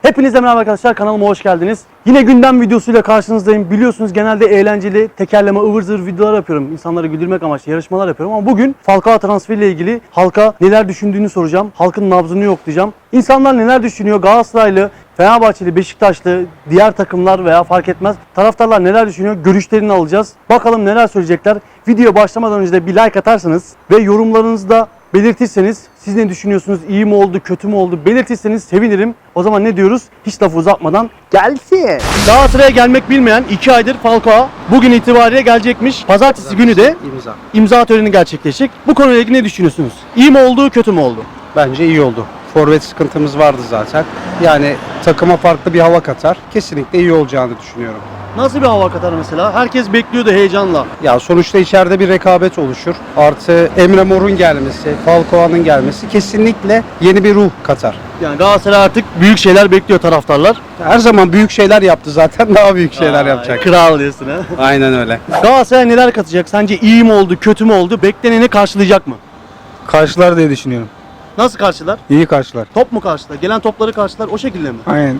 Hepinize merhaba arkadaşlar, kanalıma hoş geldiniz. Yine gündem videosuyla karşınızdayım. Biliyorsunuz genelde eğlenceli, tekerleme, ıvır zıvır videolar yapıyorum. İnsanları güldürmek amaçlı yarışmalar yapıyorum ama bugün Falcao transferiyle ilgili halka neler düşündüğünü soracağım. Halkın nabzını yoklayacağım. İnsanlar neler düşünüyor? Galatasaraylı, Fenerbahçeli, Beşiktaşlı, diğer takımlar veya fark etmez. Taraftarlar neler düşünüyor? Görüşlerini alacağız. Bakalım neler söyleyecekler. Video başlamadan önce de bir like atarsanız ve yorumlarınızı da belirtirseniz, siz ne düşünüyorsunuz, iyi mi oldu, kötü mü oldu belirtirseniz sevinirim. O zaman ne diyoruz? Hiç lafı uzatmadan gelsin. Galatasaray'a gelmek bilmeyen 2 aydır Falcao bugün itibariyle gelecekmiş. Pazartesi günü de imza töreni gerçekleşecek. Bu konuyla ilgili ne düşünüyorsunuz? İyi mi oldu, kötü mü oldu? Bence iyi oldu. Forvet sıkıntımız vardı zaten. Yani takıma farklı bir hava katar. Kesinlikle iyi olacağını düşünüyorum. Nasıl bir hava katar mesela? Herkes bekliyordu heyecanla. Ya sonuçta içeride bir rekabet oluşur. Artı Emre Mor'un gelmesi, Falcao'nun gelmesi kesinlikle yeni bir ruh katar. Yani Galatasaray artık büyük şeyler bekliyor taraftarlar. Her zaman büyük şeyler yaptı zaten, daha büyük şeyler yapacak. Kral diyorsun ha. Aynen öyle. Galatasaray neler katacak? Sence iyi mi oldu, kötü mü oldu? Bekleneni karşılayacak mı? Karşılar diye düşünüyorum. Nasıl karşılar? İyi karşılar. Top mu karşılar? Gelen topları karşılar o şekilde mi? Aynen.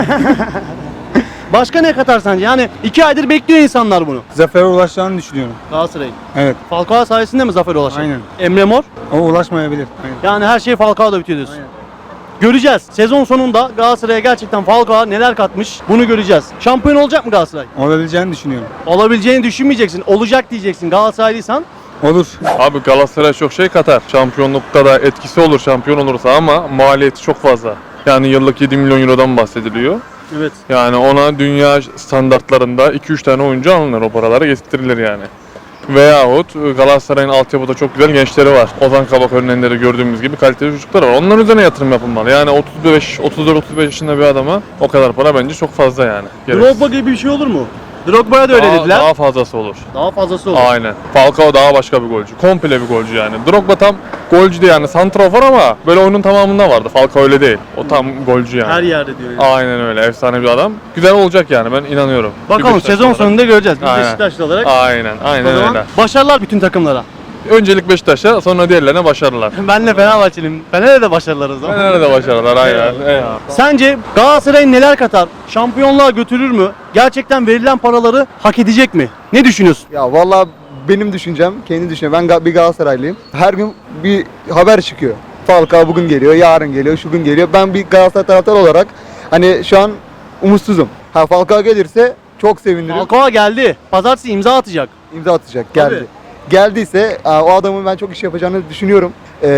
Başka ne katar sence? Yani 2 aydır bekliyor insanlar bunu. Zafere ulaşacağını düşünüyorum. Galatasaray'ın. Evet. Falcao sayesinde mi zafer ulaşacak? Aynen. Emre Mor. O ulaşmayabilir. Aynen. Yani her şey Falcao'da bitiyor diyorsun. Aynen. Göreceğiz. Sezon sonunda Galatasaray'a gerçekten Falcao neler katmış bunu göreceğiz. Şampiyon olacak mı Galatasaray? Olabileceğini düşünüyorum. Olabileceğini düşünmeyeceksin. Olacak diyeceksin Galatasaraylıysan. Olur. Abi Galatasaray çok şey katar. Şampiyonlukta da etkisi olur şampiyon olursa ama maliyeti çok fazla. Yani yıllık 7 milyon eurodan bahsediliyor. Evet. Yani ona dünya standartlarında 2-3 tane oyuncu alınır, o paralara getirilir yani. Veyahut Galatasaray'ın altyapıda çok güzel gençleri var. Ozan Kabak örneğinde de gördüğümüz gibi kaliteli çocuklar var. Onların üzerine yatırım yapılmalı. Yani 34-35 yaşında bir adama o kadar para bence çok fazla yani. Drogba gibi bir şey olur mu? Drogba'ya da öyle dediler. Daha fazlası olur. Daha fazlası olur. Aynen. Falcao daha başka bir golcü. Komple bir golcü yani. Drogba tam golcü de yani. Santrafor ama böyle oyunun tamamında vardı. Falcao öyle değil. O tam golcü yani. Her yerde diyor yani. Aynen öyle. Efsane bir adam. Güzel olacak yani, ben inanıyorum. Bakalım Bir Beşiktaşlı sezon olarak. sonunda göreceğiz. Biz Aynen. Beşiktaşlı olarak. Aynen. O Aynen zaman öyle. başarılar bütün takımlara. Öncelik Beşiktaş'a, sonra diğerlerine başarılar. Ben de Fenerbahçeliyim. Fener'e de başarılar o zaman. Fener'e de başarılar. Aynen. Eyvallah. Sence Galatasaray'ın neler katar? Şampiyonluğa götürür mü? Gerçekten verilen paraları hak edecek mi? Ne düşünüyorsun? Ya vallahi benim düşüncem, kendi düşüncem. Ben bir Galatasaraylıyım. Her gün bir haber çıkıyor. Falcao bugün geliyor, yarın geliyor, şu gün geliyor. Ben bir Galatasaray taraftarı olarak hani şu an umutsuzum. Falcao gelirse çok sevinirim. Falcao geldi. Pazartesi imza atacak. İmza atacak, geldi. Tabii. Geldiyse o adamın ben çok iş yapacağını düşünüyorum.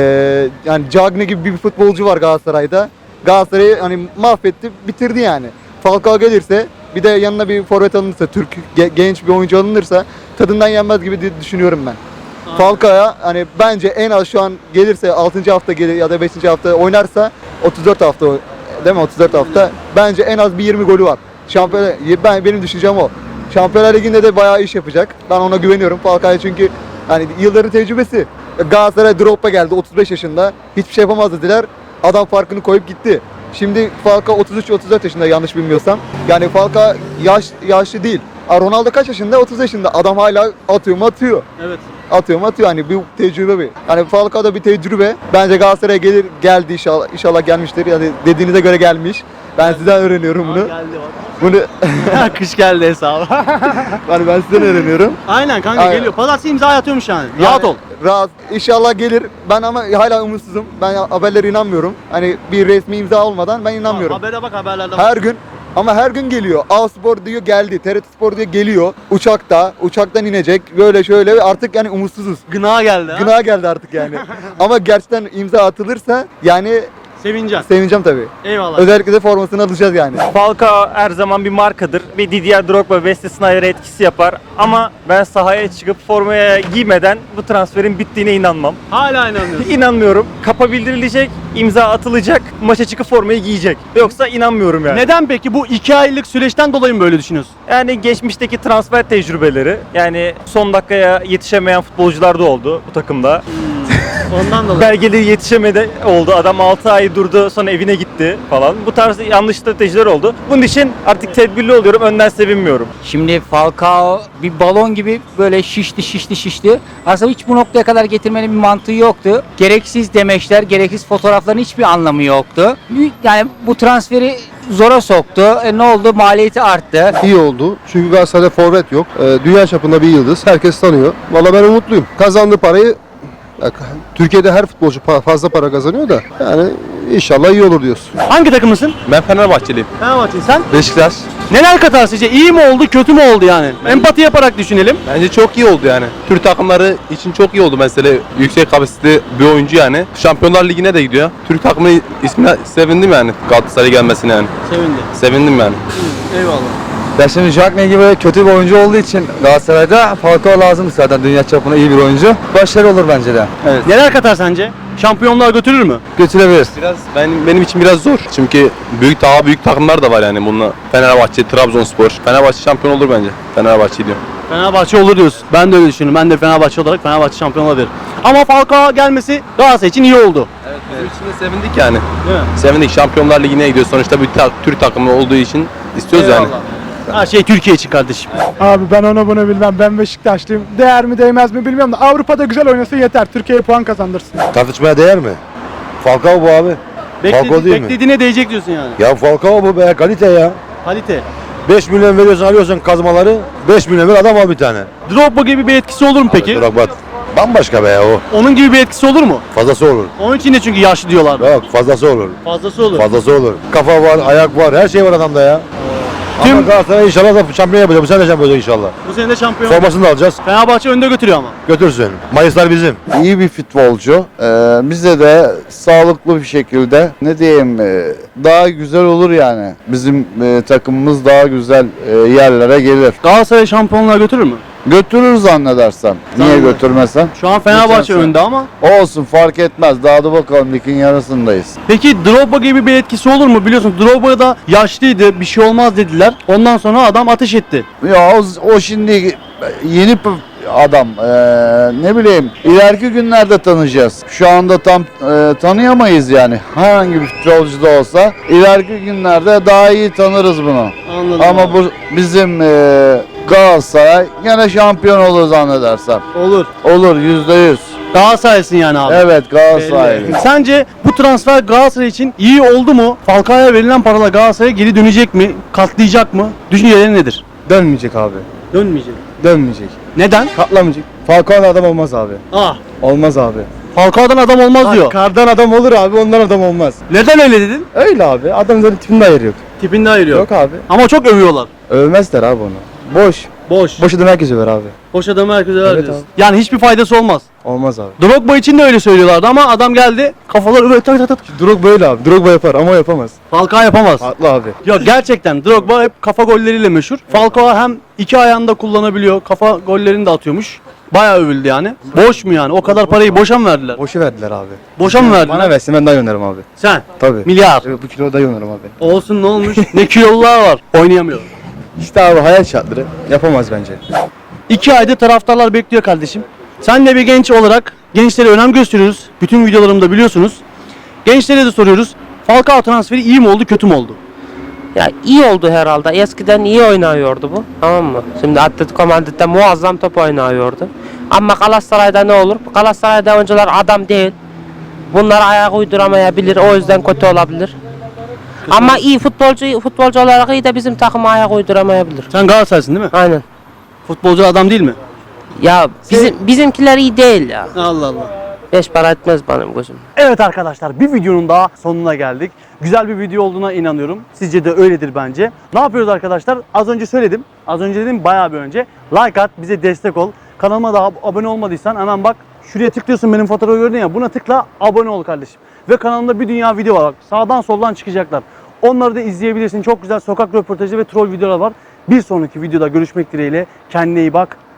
Yani Cagney gibi bir futbolcu var Galatasaray'da. Galatasaray'ı hani mahvetti, bitirdi yani. Falcao gelirse, bir de yanına bir forvet alınırsa, Türk genç bir oyuncu alınırsa tadından yenmez gibi düşünüyorum ben. Falcao'ya hani bence en az şu an gelirse 6. hafta gelir ya da 5. hafta oynarsa 34 hafta değil mi? 34 hafta. Bence en az bir 20 golü var. Benim düşüncem o. Şampiyonlar Ligi'nde de bayağı iş yapacak. Ben ona güveniyorum Falcao'ya, çünkü hani yılların tecrübesi. Galatasaray Drogba geldi 35 yaşında. Hiçbir şey yapamaz dediler. Adam farkını koyup gitti. Şimdi Falcao 33-34 yaşında yanlış bilmiyorsam. Yani Falcao yaşlı değil. Ronaldo kaç yaşında? 30 yaşında. Adam hala atıyor mu atıyor. Evet. Atıyor mu atıyor. Hani bir tecrübe bir. Yani Falcao da bir tecrübe. Bence Galatasaray'a geldi inşallah. İnşallah gelmiştir. Yani dediğinize göre gelmiş. Ben sizden öğreniyorum bunu. Geldi bak. Bunu Kış geldi hesabı. hani ben sizden öğreniyorum. Aynen kanka Aynen. geliyor. Pazartesi imza atıyormuş yani. Rahat ol. Rahat. İnşallah gelir. Ben ama hala umutsuzum. Ben haberlere inanmıyorum. Hani bir resmi imza olmadan ben inanmıyorum. Habere bak, haberlerde bak. Her gün, ama her gün geliyor. A-Spor diyor geldi. TRT Spor diyor geliyor. Uçaktan inecek. Böyle şöyle artık yani umutsuzuz. Gına geldi ha. Gına geldi artık yani. Ama gerçekten imza atılırsa yani Sevineceksin. sevineceğim tabii. Eyvallah. Özellikle de formasını alacağız yani. Falcao her zaman bir markadır ve Didier Drogba, Wesley Sneijder etkisi yapar ama ben sahaya çıkıp formaya giymeden bu transferin bittiğine inanmam. Hala inanmıyorsun. İnanmıyorum. Kapa bildirilecek, imza atılacak, maça çıkıp formayı giyecek. Yoksa inanmıyorum yani. Neden peki bu 2 aylık süreçten dolayı mı böyle düşünüyorsun? Yani geçmişteki transfer tecrübeleri, yani son dakikaya yetişemeyen futbolcular da oldu bu takımda. Ondan dolayı. Belgeleri yetişemedi oldu. Adam 6 ay durdu, sonra evine gitti falan. Bu tarz yanlış stratejiler oldu. Bunun için artık tedbirli oluyorum. Önden sevinmiyorum. Şimdi Falcao bir balon gibi böyle şişti. Aslında hiç bu noktaya kadar getirmenin bir mantığı yoktu. Gereksiz demeçler, gereksiz fotoğrafların hiçbir anlamı yoktu. Yani bu transferi zora soktu. Ne oldu? Maliyeti arttı. İyi oldu. Çünkü Galatasaray'da forvet yok. Dünya çapında bir yıldız. Herkes tanıyor. Valla ben umutluyum. Kazandığı parayı Türkiye'de her futbolcu fazla para kazanıyor da yani inşallah iyi olur diyorsun. Hangi takımlısın? Ben Fenerbahçeliyim. Fenerbahçe. Sen? Beşiktaş. Neler katar sizce? İyi mi oldu, kötü mü oldu yani? Empati yaparak düşünelim. Bence çok iyi oldu yani. Türk takımları için çok iyi oldu mesela. Yüksek kapasiteli bir oyuncu yani. Şampiyonlar Ligi'ne de gidiyor. Türk takımı ismine sevindim yani. Galatasaray'a gelmesine yani. Sevindim yani. Eyvallah. Ya şimdi Jackne gibi kötü bir oyuncu olduğu için Galatasaray'da Falcao lazım zaten dünya çapında iyi bir oyuncu. Başarı olur bence de. Evet. Neler katar sence? Şampiyonluğa götürür mü? Götürebilir. Biraz benim için biraz zor. Çünkü daha büyük takımlar da var yani bununla. Fenerbahçe, Trabzonspor. Fenerbahçe şampiyon olur bence. Fenerbahçe diyorum. Fenerbahçe olur diyorsun. Ben de öyle düşünüyorum. Ben de Fenerbahçe olarak Fenerbahçe şampiyon olabilir. Ama Falcao gelmesi Galatasaray için iyi oldu. Evet, bizim için de sevindik yani. Değil mi? Sevindik. Şampiyonlar Ligi'ne gidiyor. Sonuçta bir Türk takımı olduğu için istiyoruz yani. Her şey Türkiye için kardeşim. Abi ben onu bunu bilmem. Ben Beşiktaşlıyım. Değer mi değmez mi bilmiyorum da Avrupa'da güzel oynasa yeter. Türkiye'ye puan kazandırsın. Tartışmaya değer mi? Falcao bu abi. Falcao değil mi? Beklediğine değecek diyorsun yani. Ya Falcao bu be, kalite ya. Kalite. 5 milyon veriyorsun, alıyorsun kazmaları. 5 milyon ver, adam al bir tane. Drogba gibi bir etkisi olur mu peki? Drogba bambaşka be o. Onun gibi bir etkisi olur mu? Fazlası olur. Onun için de çünkü yaşlı diyorlar. Yok, fazlası olur. Fazlası olur. Fazlası olur. Kafa var, ayak var, her şey var adamda ya. Tüm- Ama Galatasaray inşallah da şampiyon yapacak. Bu sene de şampiyon olacak inşallah. Bu sene de şampiyon. Formasını da alacağız. Fenerbahçe önde götürüyor ama. Götürsün. Mayıslar bizim. İyi bir futbolcu. Bize de sağlıklı bir şekilde ne diyeyim daha güzel olur yani. Bizim takımımız daha güzel yerlere gelir. Galatasaray şampiyonluğa götürür mü? Götürür zannedersem. Niye Zannederim. götürmesem? Şu an Fenerbahçe Geçen sene. önde ama. Olsun fark etmez. Daha da bakalım ligin yarısındayız. Peki Drogba gibi bir etkisi olur mu? Biliyorsun Drogba da yaşlıydı, bir şey olmaz dediler. Ondan sonra adam ateş etti. Ya o şimdi yeni adam. Ne bileyim ileriki günlerde tanıyacağız. Şu anda tam tanıyamayız yani. Herhangi bir futbolcu da olsa ileriki günlerde daha iyi tanırız bunu. Anladım. Ama bu bizim Galatasaray gene şampiyon olur zannedersem. Olur. Olur %100. Galatasaray'sın yani abi. Evet Galatasaray. Belli. Sence bu transfer Galatasaray için iyi oldu mu? Falcao'ya verilen paralar Galatasaray'a geri dönecek mi? Katlayacak mı? Düşüncelerin nedir? Dönmeyecek abi. Dönmeyecek. Dönmeyecek. Neden? Katlamayacak. Falcao'dan adam olmaz abi. Ah. Olmaz abi. Falcao'dan adam olmaz diyor. Kardan adam olur abi, ondan adam olmaz. Neden öyle dedin? Öyle abi. Adamın zaten tipinde ayır yok. Tipinde ayırıyor. Yok abi. Ama çok övüyorlar. Övmezler abi onu. Boş. Boş. Boş adam herkes över abi. Boş adamı herkese ver Evet diyorsun. Yani hiçbir faydası olmaz. Olmaz abi. Drogba için de öyle söylüyorlardı ama adam geldi kafalar öyle tak tak tak. Drogba böyle abi. Drogba yapar ama o yapamaz. Falcao yapamaz. Haklı abi. Yok gerçekten Drogba hep kafa golleriyle meşhur. Falcao hem iki ayağında kullanabiliyor, kafa gollerini de atıyormuş. Bayağı övüldü yani. Boş mu yani? O kadar parayı boşa mı verdiler? Boşu verdiler abi. Boşa mı verdiler? Bana versin ben daha oynarım abi. Sen. Tabii. Milyar. Bu kilo daha oynarım abi. Olsun ne olmuş? Ne kilolular var. Oynayamıyor. İşte abi hayal şartları. Yapamaz bence. 2 ayda taraftarlar bekliyor kardeşim. Sen de bir genç olarak gençlere önem gösteriyoruz. Bütün videolarımda biliyorsunuz. Gençlere de soruyoruz. Falcao transferi iyi mi oldu, kötü mü oldu? Ya iyi oldu herhalde. Eskiden iyi oynuyordu bu. Tamam mı? Şimdi Atletico Madrid'de muazzam top oynuyordu. Ama Galatasaray'da ne olur? Galatasaray'da oyuncular adam değil. Bunlar ayak uyduramayabilir. O yüzden kötü olabilir. Ama iyi futbolcu olarak iyi de bizim takıma ayak uyduramayabilir. Sen Galatasaraylısın değil mi? Aynen. Futbolcu adam değil mi? Ya bizimkiler iyi değil ya. Allah Allah. Beş para etmez benim gözüm. Evet arkadaşlar bir videonun daha sonuna geldik. Güzel bir video olduğuna inanıyorum. Sizce de öyledir bence. Ne yapıyoruz arkadaşlar? Az önce söyledim. Az önce dedim bayağı bir önce. Like at, bize destek ol. Kanalıma da abone olmadıysan hemen bak. Şuraya tıklıyorsun benim fotoğrafı gördün ya. Buna tıkla, abone ol kardeşim. Ve kanalımda bir dünya video var. Bak, sağdan soldan çıkacaklar. Onları da izleyebilirsin. Çok güzel sokak röportajı ve troll videolar var. Bir sonraki videoda görüşmek dileğiyle. Kendine iyi bak.